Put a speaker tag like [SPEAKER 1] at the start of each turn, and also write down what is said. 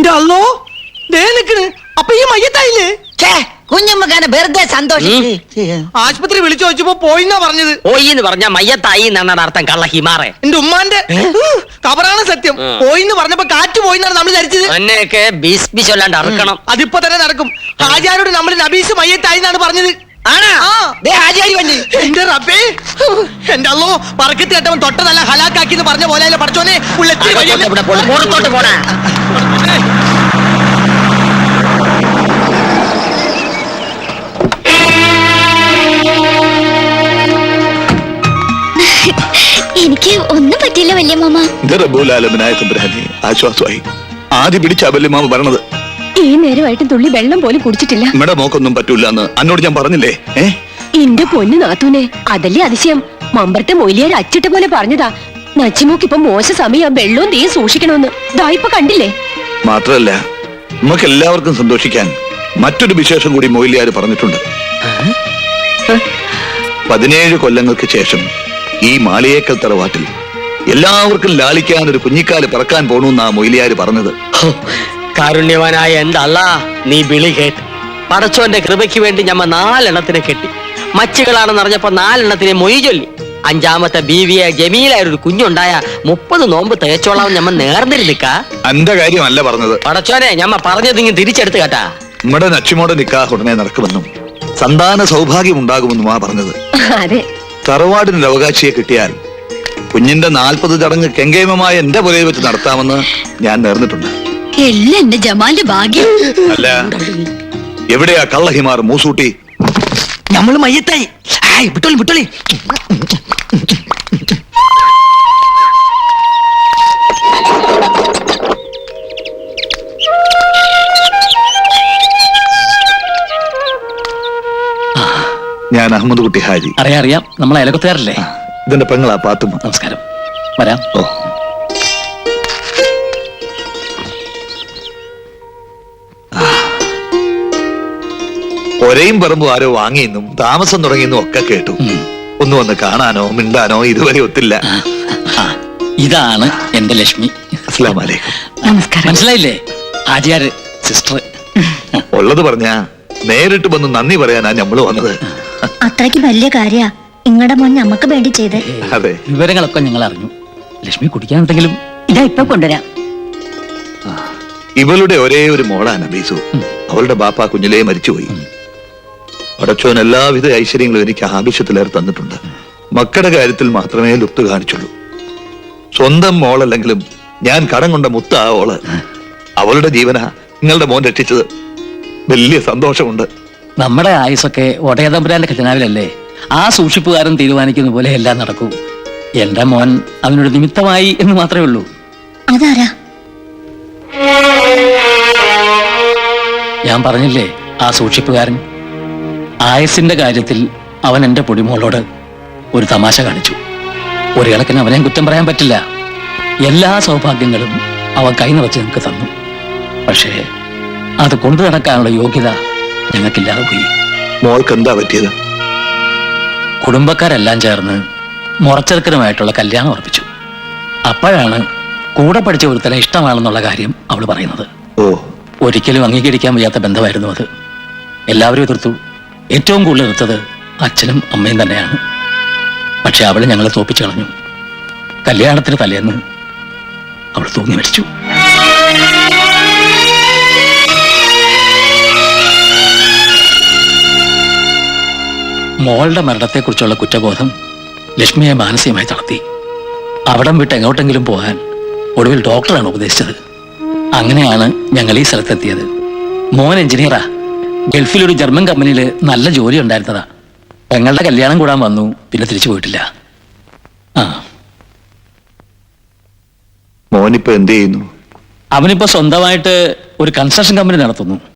[SPEAKER 1] അല്ലോ ദേ നിക്കണ്. അപ്പൊ ഈ മയ്യത്തായില്ലേ?
[SPEAKER 2] കുഞ്ഞമ്മക്കാനെ വെറുതെ സന്തോഷിച്ച്
[SPEAKER 1] ആശുപത്രി വിളിച്ചു ചോദിച്ചപ്പോ പോയിന്നാ പറഞ്ഞത്.
[SPEAKER 3] പോയി എന്ന് പറഞ്ഞ മയ്യത്തായി എന്നാണ് അർത്ഥം. കള്ള ഹിമാറെ.
[SPEAKER 1] എന്റെ ഉമ്മാന്റെ കബറാണ് സത്യം. പോയിന്ന് പറഞ്ഞപ്പോ കാറ്റ് പോയിന്നാണ് നമ്മൾ ധരിച്ചത്.
[SPEAKER 3] എന്നെയൊക്കെ ബീസ് ചൊല്ലാണ്ട് അറക്കണം.
[SPEAKER 1] അതിപ്പോ തന്നെ നടക്കും. ഹാജിയാരോട് നമ്മൾ നബീസ് മയ്യത്തായി എന്നാണ് പറഞ്ഞത്. എന്റെ റബ്ബേ, എന്റെ അല്ലോ പറക്കത്ത് കേട്ടവൻ തൊട്ടതല്ല ഹലാക്കാക്കി എന്ന് പറഞ്ഞ പോലെ പഠിച്ചോനെ.
[SPEAKER 3] പുറത്തോട്ട് പോണ
[SPEAKER 4] എനിക്ക് ഒന്നും പറ്റില്ല വല്യ മാമ.
[SPEAKER 5] ആശ്വാസമായി. ആദ്യം പിടിച്ച വല്യ മാമ പറഞ്ഞത്.
[SPEAKER 4] ഈ നേരമായിട്ടും തുള്ളി വെള്ളം പോലും കുടിച്ചിട്ടില്ല.
[SPEAKER 5] നമ്മുടെ മോക്കൊന്നും പറ്റൂല എന്ന് അന്നോട് ഞാൻ പറഞ്ഞില്ലേ?
[SPEAKER 4] എന്റെ പൊന്നു നാത്തൂനെ, അതല്ലേ അതിശയം. മമ്പറത്തെ മൊയിലിയാർ അച്ചിട്ട പോലെ പറഞ്ഞതാ. നച്ചിമോക്ക് ഇപ്പൊ മോശ സമയം, വെള്ളവും തീയും സൂക്ഷിക്കണമെന്ന്. ഇപ്പൊ കണ്ടില്ലേ?
[SPEAKER 5] മാത്രല്ല, നമുക്ക് എല്ലാവർക്കും സന്തോഷിക്കാൻ മറ്റൊരു വിശേഷം കൂടി മൊയിലിയാർ പറഞ്ഞിട്ടുണ്ട്. 17 കൊല്ലങ്ങൾക്ക് ശേഷം ഈ മാളിയേക്കൽ തറവാട്ടിൽ എല്ലാവർക്കും ലാളിക്കാൻ ഒരു കുഞ്ഞിക്കാല് പിറക്കാൻ പോണെന്നാ മൊയിലിയാർ പറഞ്ഞത്.
[SPEAKER 3] കാരുണ്യവാനായ എന്റെ അല്ലാ, നീ വിളി കേട്ട് പടച്ചോന്റെ കൃപയ്ക്ക് വേണ്ടി ഞമ്മ 4 എണ്ണത്തിനെ കെട്ടി. മച്ചുകളാണെന്ന് അറിഞ്ഞപ്പോ 4 എണ്ണത്തിനെ മൊയ് ചൊല്ലി. 5ാമത്തെ ബീവിയെ ജമീലായ ഒരു കുഞ്ഞുണ്ടായ 30 നോമ്പ് തേച്ചോളാം ഞമ്മ നേർന്നിരുന്നിക്ക.
[SPEAKER 5] എന്റെ കാര്യമല്ല പറഞ്ഞത്.
[SPEAKER 3] പടച്ചോനെ, ഞമ്മ പറഞ്ഞത് ഇങ്ങനെ തിരിച്ചെടുത്ത് കേട്ടാ.
[SPEAKER 5] നമ്മുടെ നച്ചിമോടെ നിക്കാഹ് ഉടനെ നടക്കുമെന്നും സന്താന സൗഭാഗ്യം ഉണ്ടാകുമെന്നുമാ പറഞ്ഞത്. തറവാടിനൊരു അവകാശിയെ കിട്ടിയാൽ കുഞ്ഞിന്റെ 40 ചടങ്ങ് കെങ്കേമമായ എന്റെ പുരയിൽ വെച്ച് നടത്താമെന്ന് ഞാൻ നേർന്നിട്ടുണ്ട്.
[SPEAKER 4] എല്ലാം എന്റെ ജമാലിന്റെ ഭാഗ്യം.
[SPEAKER 5] അല്ല, എവിടെയാ കള്ളഹിമാർ മൂസൂട്ടി?
[SPEAKER 1] നമ്മള് മയ്യത്തായി. വിട്ടോളി വിട്ടോളി.
[SPEAKER 5] ഞാൻ അഹമ്മദ് കുട്ടി ഹാജി.
[SPEAKER 6] അറിയാം, നമ്മളെ അയലക്കത്തുകാരല്ലേ?
[SPEAKER 5] ഇതിന്റെ പെങ്ങളാ പാത്തുമ്മ.
[SPEAKER 6] നമസ്കാരം, വരാം.
[SPEAKER 5] ഓ, ഒരേയും പറമ്പും ആരോ വാങ്ങിയെന്നും താമസം തുടങ്ങിയെന്നും ഒക്കെ കേട്ടു. ഒന്ന് വന്ന് കാണാനോ മിണ്ടാനോ ഇതുവരെ ഒത്തില്ല.
[SPEAKER 6] ഇതാണ് എന്റെ ലക്ഷ്മി.
[SPEAKER 5] അസ്സലാമു അലൈക്കും.
[SPEAKER 4] നമസ്കാരം.
[SPEAKER 6] മനസ്സിലായില്ലേ? ഹാജിയാര് സിസ്റ്റർ.
[SPEAKER 5] ഉള്ളത് പറഞ്ഞാ നേരിട്ട് വന്ന് നന്ദി പറയാനാ ഞമ്മള് വന്നത്.
[SPEAKER 4] അത്രയ്ക്ക് വലിയ കാര്യ ഇങ്ങടെ മോൻ ഞമ്മക്ക് വേണ്ടി ചെയ്ത്.
[SPEAKER 5] അതെ,
[SPEAKER 6] വിവരങ്ങളൊക്കെ ഞങ്ങൾ അറിഞ്ഞു. ലക്ഷ്മി കുടിക്കാനുണ്ടെങ്കിലും
[SPEAKER 4] ഇതാ ഇപ്പൊ കൊണ്ടുവരാം.
[SPEAKER 5] ഇവളുടെ ഒരേ ഒരു മോളാ നബീസു. അവളുടെ ബാപ്പ കുഞ്ഞിലേ മരിച്ചുപോയി. പടച്ചോൻ എല്ലാവിധ ഐശ്വര്യങ്ങളും എനിക്ക് ആവശ്യത്തിലേറെ തന്നിട്ടുണ്ട്. മക്കളുടെ കാര്യത്തിൽ മാത്രമേ ലുപ്ത് കാണിച്ചുള്ളൂ. സ്വന്തം മോളല്ലെങ്കിലും ഞാൻ കടം കൊണ്ട മുത്ത ആ ഓള്. അവളുടെ ജീവനാ നിങ്ങളുടെ മോൻ രക്ഷിച്ചത്. വലിയ സന്തോഷമുണ്ട്.
[SPEAKER 6] നമ്മുടെ ആയുസൊക്കെ ഒടയതമ്പുരാന്റെ ഖജനാവിലല്ലേ? ആ സൂക്ഷിപ്പുകാരൻ തീരുമാനിക്കുന്ന പോലെ എല്ലാം നടക്കൂ. എന്റെ മോൻ അവനൊരു നിമിത്തമായി എന്ന് മാത്രമേ ഉള്ളൂ.
[SPEAKER 4] അതാരാ?
[SPEAKER 6] ഞാൻ പറഞ്ഞില്ലേ, ആ സൂക്ഷിപ്പുകാരൻ. ആയുസിന്റെ കാര്യത്തിൽ അവൻ എന്റെ പൊടിമോളോട് ഒരു തമാശ കാണിച്ചു. ഒരു കണക്കിന് അവനെ കുറ്റം പറയാൻ പറ്റില്ല. എല്ലാ സൗഭാഗ്യങ്ങളും അവൻ കൈ നിറച്ച് ഞങ്ങൾക്ക് തന്നു. പക്ഷേ അത് കൊണ്ടു നടക്കാനുള്ള യോഗ്യത ഞങ്ങൾക്കില്ലാതെ പോയി.
[SPEAKER 5] മോൾക്ക് എന്താ പറ്റിയത്?
[SPEAKER 6] കുടുംബക്കാരെല്ലാം ചേർന്ന് മുറച്ചെറുക്കനുമായിട്ടുള്ള കല്യാണം ഉറപ്പിച്ചു. അപ്പോഴാണ് കൂടെ പഠിച്ച ഒരുത്തനെ ഇഷ്ടമാണെന്നുള്ള കാര്യം അവൾ പറയുന്നത്. ഒരിക്കലും അംഗീകരിക്കാൻ വയ്യാത്ത ബന്ധമായിരുന്നു അത്. എല്ലാവരും എതിർത്തു. ഏറ്റവും കൂടുതൽ എതിർത്തത് അച്ഛനും അമ്മയും തന്നെയാണ്. പക്ഷെ അവൾ ഞങ്ങളെ തോപ്പിച്ചു കളഞ്ഞു. കല്യാണത്തിന് തലേന്ന് അവൾ തൂങ്ങി മരിച്ചു. മോളുടെ മരണത്തെക്കുറിച്ചുള്ള കുറ്റബോധം ലക്ഷ്മിയെ മാനസികമായി തളർത്തി. അവിടം വിട്ട് എങ്ങോട്ടെങ്കിലും പോകാൻ ഒടുവിൽ ഡോക്ടറാണ് ഉപദേശിച്ചത്. അങ്ങനെയാണ് ഞങ്ങൾ ഈ സ്ഥലത്തെത്തിയത്. മോൻ എഞ്ചിനീയറാ. ഗൾഫിലൊരു ജർമ്മൻ കമ്പനിയിൽ നല്ല ജോലി ഉണ്ടായിരുന്നതാ. പെങ്ങളുടെ കല്യാണം കൂടാൻ വന്നു, പിന്നെ തിരിച്ചു പോയിട്ടില്ല.
[SPEAKER 5] മോനിപ്പോ എന്ത് ചെയ്യുന്നു?
[SPEAKER 6] അവനിപ്പോ സ്വന്തമായിട്ട് ഒരു കൺസ്ട്രക്ഷൻ കമ്പനി നടത്തുന്നു.